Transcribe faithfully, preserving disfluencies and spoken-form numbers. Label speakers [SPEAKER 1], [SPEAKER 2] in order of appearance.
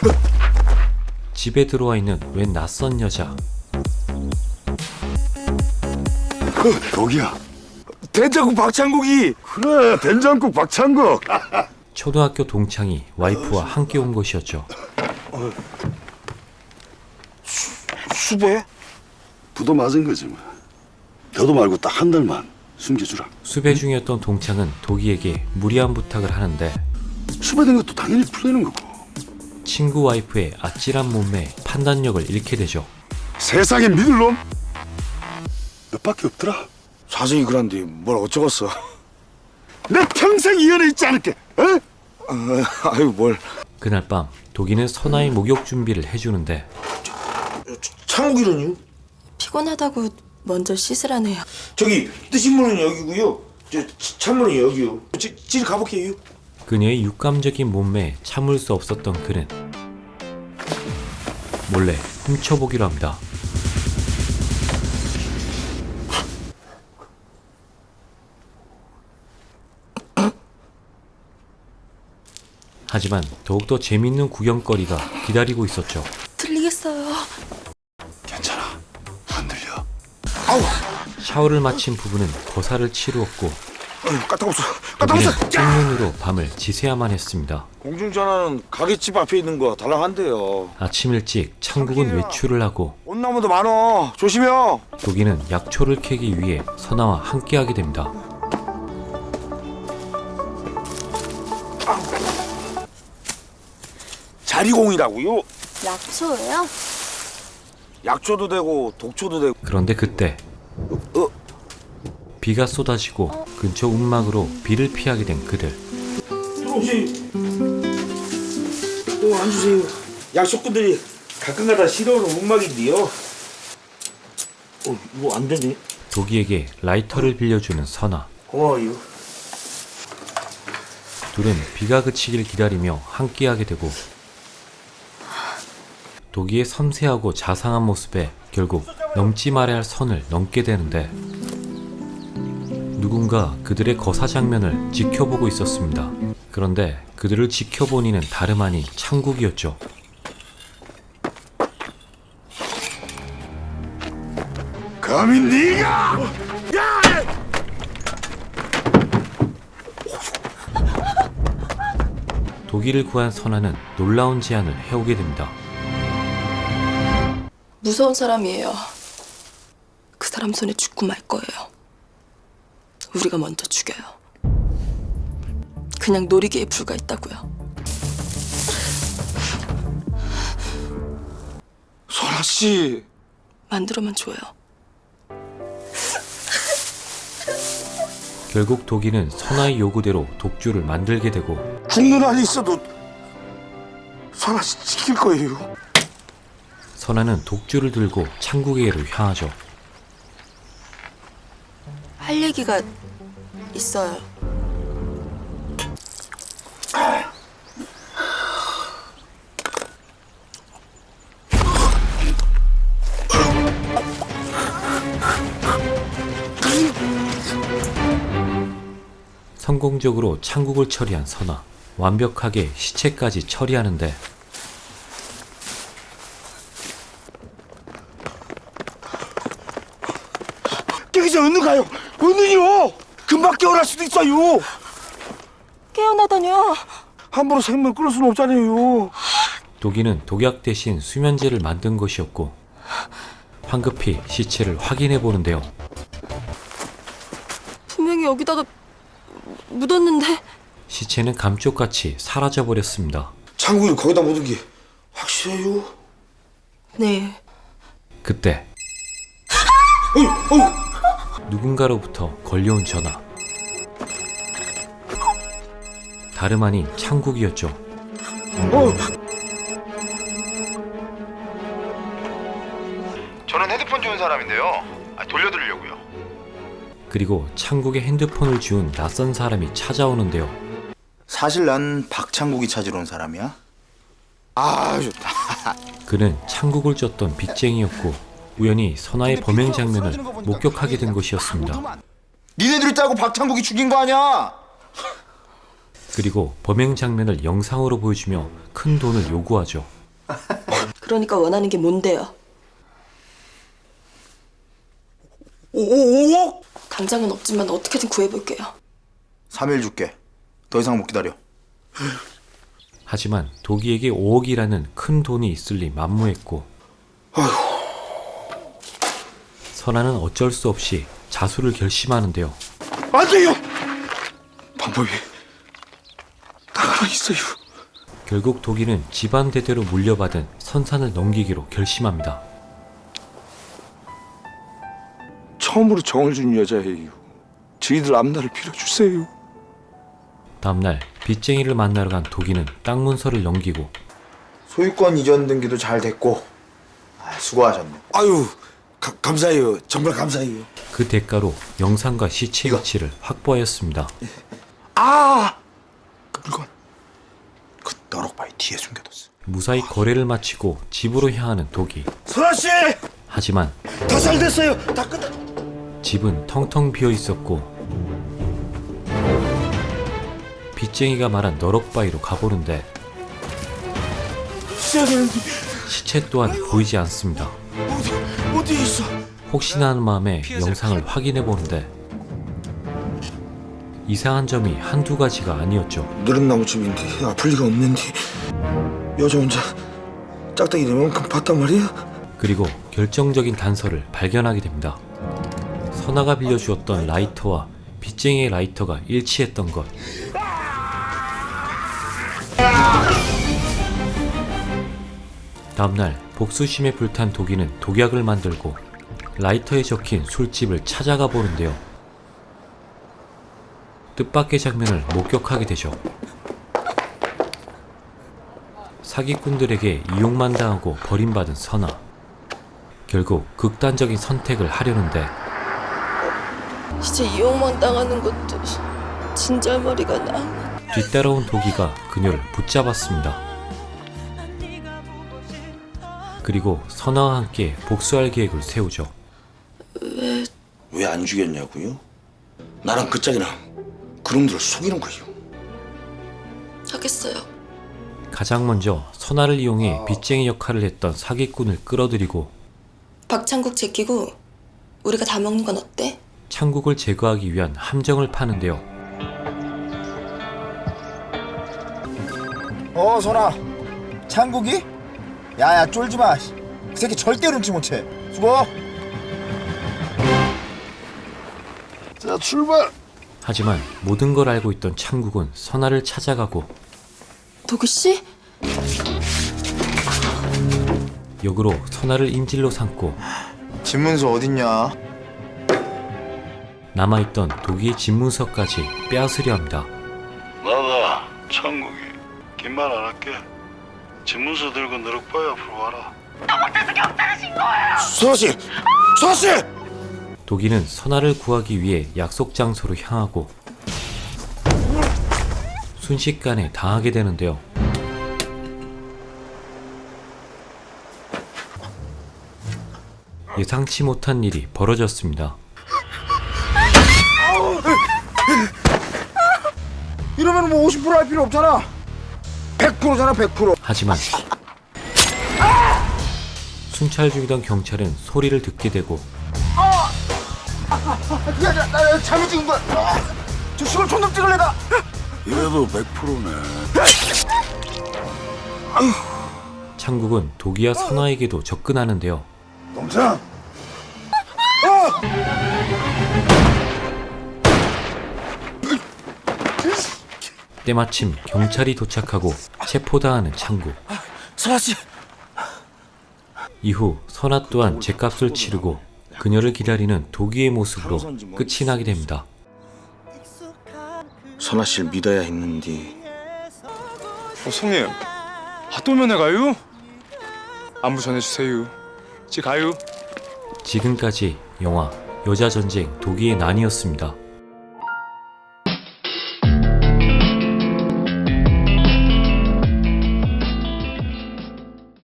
[SPEAKER 1] 집에 들어와 있는 웬 낯선 여자.
[SPEAKER 2] 독이야.
[SPEAKER 3] 된장국 박창국이.
[SPEAKER 2] 그래, 된장국 박창국.
[SPEAKER 1] 초등학교 동창이 와이프와 함께 온 것이었죠.
[SPEAKER 3] 수배?
[SPEAKER 2] 부도 맞은 거지 뭐. 너도 말고 딱 한 달만 숨겨주라.
[SPEAKER 1] 수배 중이었던 동창은 도기에게 무리한 부탁을 하는데
[SPEAKER 2] 수배된 것도 당연히 풀리는 거고.
[SPEAKER 1] 친구 와이프의 아찔한 몸매에 판단력을 잃게 되죠.
[SPEAKER 2] 세상에 믿을 놈 너밖에 없더라.
[SPEAKER 3] 사정이 그런데 뭘 어쩌겠어.
[SPEAKER 2] 내 평생 이 연애 있지 않을게. 어?
[SPEAKER 3] 어, 아유 뭘.
[SPEAKER 1] 그날 밤 도기는 선아의 목욕 준비를 해주는데
[SPEAKER 3] 창국이라니요?
[SPEAKER 4] 피곤하다고 먼저 씻으라네요.
[SPEAKER 3] 저기 뜨신 문은 여기고요. 저 찬문은 여기요. 지, 지 가볼게요.
[SPEAKER 1] 그녀의 육감적인 몸매에 참을 수 없었던 그는 몰래 훔쳐보기로 합니다. 하지만 더욱더 재밌는 구경거리가 기다리고 있었죠.
[SPEAKER 4] 들리겠어요.
[SPEAKER 2] 괜찮아. 안 들려.
[SPEAKER 3] 아우.
[SPEAKER 1] 샤워를 마친 부부는 거사를 치루었고
[SPEAKER 3] 아유 까딱없어.
[SPEAKER 1] 도기는
[SPEAKER 3] 까딱없어.
[SPEAKER 1] 짝눈으로 밤을 지새야만 했습니다.
[SPEAKER 3] 공중전화는 가게집 앞에 있는 거 달랑한데요.
[SPEAKER 1] 아침 일찍 창국은 외출을 하고
[SPEAKER 3] 온나무도 많어. 조심해요.
[SPEAKER 1] 도기는 약초를 캐기 위해 선아와 함께하게 됩니다.
[SPEAKER 3] 자리공이라고요?
[SPEAKER 4] 약초예요?
[SPEAKER 3] 약초도 되고 독초도 되고.
[SPEAKER 1] 그런데 그때
[SPEAKER 3] 어?
[SPEAKER 1] 비가 쏟아지고 근처 움막으로 비를 피하게 된 그들.
[SPEAKER 3] 혹시 또 앉으세요. 약초꾼들이 가끔가다 싫어하는 움막인데요. 어 이거 안 되네.
[SPEAKER 1] 도기에게 라이터를 빌려주는 선아.
[SPEAKER 3] 고마워요.
[SPEAKER 1] 둘은 비가 그치길 기다리며 함께하게 되고 도기의 섬세하고 자상한 모습에 결국 넘지 말아야 할 선을 넘게 되는데 누군가 그들의 거사 장면을 지켜보고 있었습니다. 그런데 그들을 지켜본 이는 다름 아닌 창국이었죠.
[SPEAKER 2] 감히 네가! 야!
[SPEAKER 1] 도기를 구한 선아는 놀라운 제안을 해오게 됩니다.
[SPEAKER 4] 무서운 사람이에요. 그 사람 손에 죽고 말 거예요. 우리가 먼저 죽여요. 그냥 놀이기에 불과했다고요.
[SPEAKER 3] 선아 씨.
[SPEAKER 4] 만들어만 줘요.
[SPEAKER 1] 결국 도기는 선아의 요구대로 독주를 만들게 되고
[SPEAKER 3] 죽는 한이 있어도 선아 씨 지킬 거예요.
[SPEAKER 1] 선아는 독주를 들고 창국에게로 향하죠.
[SPEAKER 4] 할 얘기가 있어요.
[SPEAKER 1] 성공적으로 창국을 처리한 선아. 완벽하게 시체까지 처리하는데
[SPEAKER 3] 깨기 전에 얼른 가요. 얼른요. 금방 깨어날 수도 있어요.
[SPEAKER 4] 깨어나다뇨.
[SPEAKER 3] 함부로 생명 끊을 수는 없잖아요.
[SPEAKER 1] 도기는 독약 대신 수면제를 만든 것이었고 황급히 시체를 확인해 보는데요.
[SPEAKER 4] 분명히 여기다가 묻었는데.
[SPEAKER 1] 시체는 감쪽같이 사라져 버렸습니다.
[SPEAKER 3] 창국이 거기다 묻은 게 확실해요?
[SPEAKER 4] 네.
[SPEAKER 1] 그때
[SPEAKER 3] 어이, 어이.
[SPEAKER 1] 누군가로부터 걸려온 전화. 다름 아닌 창국이었죠.
[SPEAKER 3] 어.
[SPEAKER 5] 저는 헤드폰 주운 사람인데요. 아, 돌려드리려고요.
[SPEAKER 1] 그리고 창국의 핸드폰을 주운 낯선 사람이 찾아오는데요.
[SPEAKER 5] 사실 난 박창국이 찾으러 온 사람이야.
[SPEAKER 3] 아 좋다.
[SPEAKER 1] 그는 창국을 쫓던 빚쟁이였고 우연히 선아의 범행 장면을 목격하게 된 것이었습니다.
[SPEAKER 5] 니네들이 짜고 박창국이 죽인 거 아니야?
[SPEAKER 1] 그리고 범행 장면을 영상으로 보여주며 큰 돈을 요구하죠.
[SPEAKER 4] 그러니까 원하는 게 뭔데요?
[SPEAKER 3] 오오오억?
[SPEAKER 4] 당장은 없지만 어떻게든 구해볼게요.
[SPEAKER 3] 삼 일 줄게. 더 이상 못 기다려.
[SPEAKER 1] 하지만 도기에게 오억이라는 큰 돈이 있을 리 만무했고 선아는 어쩔 수 없이 자수를 결심하는데요.
[SPEAKER 3] 안 돼요. 방법이 딱 하나 있어요.
[SPEAKER 1] 결국 도기는 집안 대대로 물려받은 선산을 넘기기로 결심합니다.
[SPEAKER 3] 처음으로 정을 준 여자예요. 저희들 앞날을 빌어주세요.
[SPEAKER 1] 다음날 빚쟁이를 만나러 간 도기는 땅 문서를 넘기고
[SPEAKER 3] 소유권 이전 등기도 잘 됐고 아, 수고하셨네. 아유 가, 감사해요. 정말 감사해요.
[SPEAKER 1] 그 대가로 영상과 시체 위치를 확보하였습니다.
[SPEAKER 3] 아! 그 물건 그 너럭바위 뒤에 숨겨뒀어.
[SPEAKER 1] 무사히 거래를 마치고 집으로 향하는 도기.
[SPEAKER 3] 선아씨!
[SPEAKER 1] 하지만
[SPEAKER 3] 다 잘 됐어요. 다 끝났...
[SPEAKER 1] 집은 텅텅 비어 있었고 빚쟁이가 말한 너럭바위로 가보는데 시체 또한 보이지 않습니다.
[SPEAKER 3] 어디, 어디 있어?
[SPEAKER 1] 혹시나 하는 마음에 영상을 확인해 보는데 이상한 점이 한두 가지가 아니었죠.
[SPEAKER 3] 느릅나무집인데 아플 리가 없는데 여자 혼자 짝대기 내만큼 봤단 말이야?
[SPEAKER 1] 그리고 결정적인 단서를 발견하게 됩니다. 선아가 빌려주었던 라이터와 빚쟁이의 라이터가 일치했던 것. 다음날 복수심에 불탄 도기는 독약을 만들고 라이터에 적힌 술집을 찾아가 보는데요. 뜻밖의 장면을 목격하게 되죠. 사기꾼들에게 이용만 당하고 버림받은 선아. 결국 극단적인 선택을 하려는데
[SPEAKER 4] 이제 이용만 당하는 것도 진절머리가 나.
[SPEAKER 1] 뒤따라온 도기가 그녀를 붙잡았습니다. 그리고 선아와 함께 복수할 계획을 세우죠.
[SPEAKER 4] 왜
[SPEAKER 3] 왜 안 죽였냐고요? 나랑 그 짝이랑 그놈들을 속이는 거예요.
[SPEAKER 4] 하겠어요?
[SPEAKER 1] 가장 먼저 선아를 이용해 빚쟁이 역할을 했던 사기꾼을 끌어들이고
[SPEAKER 4] 박창국 제끼고 우리가 다 먹는 건 어때?
[SPEAKER 1] 창국을 제거하기 위한 함정을 파는데요.
[SPEAKER 6] 어, 선아. 창국이? 야야, 쫄지 마. 그 새끼 절대 눈치 못 채. 수고.
[SPEAKER 2] 자, 출발.
[SPEAKER 1] 하지만 모든 걸 알고 있던 창국은 선아를 찾아가고
[SPEAKER 4] 도기 씨?
[SPEAKER 1] 역으로 선아를 인질로 삼고
[SPEAKER 6] 집문서 어딨냐?
[SPEAKER 1] 남아있던 도기의 집문서까지 빼앗으려 합니다.
[SPEAKER 2] 나다 창국이. 긴 말 안 할게. 집문서 들고 너럭바위 앞으로 와라.
[SPEAKER 3] 선아씨! 선아씨!
[SPEAKER 1] 도기는 선아를 구하기 위해 약속 장소로 향하고 순식간에 당하게 되는데요. 예상치 못한 일이 벌어졌습니다.
[SPEAKER 6] 이러면 뭐 오십 퍼센트 할 필요 없잖아. 백 퍼센트잖아, 백 퍼센트.
[SPEAKER 1] 하지만 순찰 중이던 경찰은 소리를 듣게 되고
[SPEAKER 6] 야, 나, 나 잘못 찍은 거야. 아, 저 시골 촌놈 찍을래다.
[SPEAKER 2] 이래도 백 퍼센트네.
[SPEAKER 1] 창국은 도기와 선아에게도 접근하는데요.
[SPEAKER 2] 동창.
[SPEAKER 1] 때마침 경찰이 도착하고 체포당하는 창국.
[SPEAKER 6] 선아씨.
[SPEAKER 1] 이후 선아 또한 죗값을 치르고 그녀를 기다리는 도기의 모습으로 끝이 나게 됩니다.
[SPEAKER 3] 선아씨를 믿어야 했는데
[SPEAKER 7] 어, 성님, 아, 또 면회 가요? 안부 전해주세요. 지 가요.
[SPEAKER 1] 지금까지 영화 여자전쟁 도기의 난이었습니다.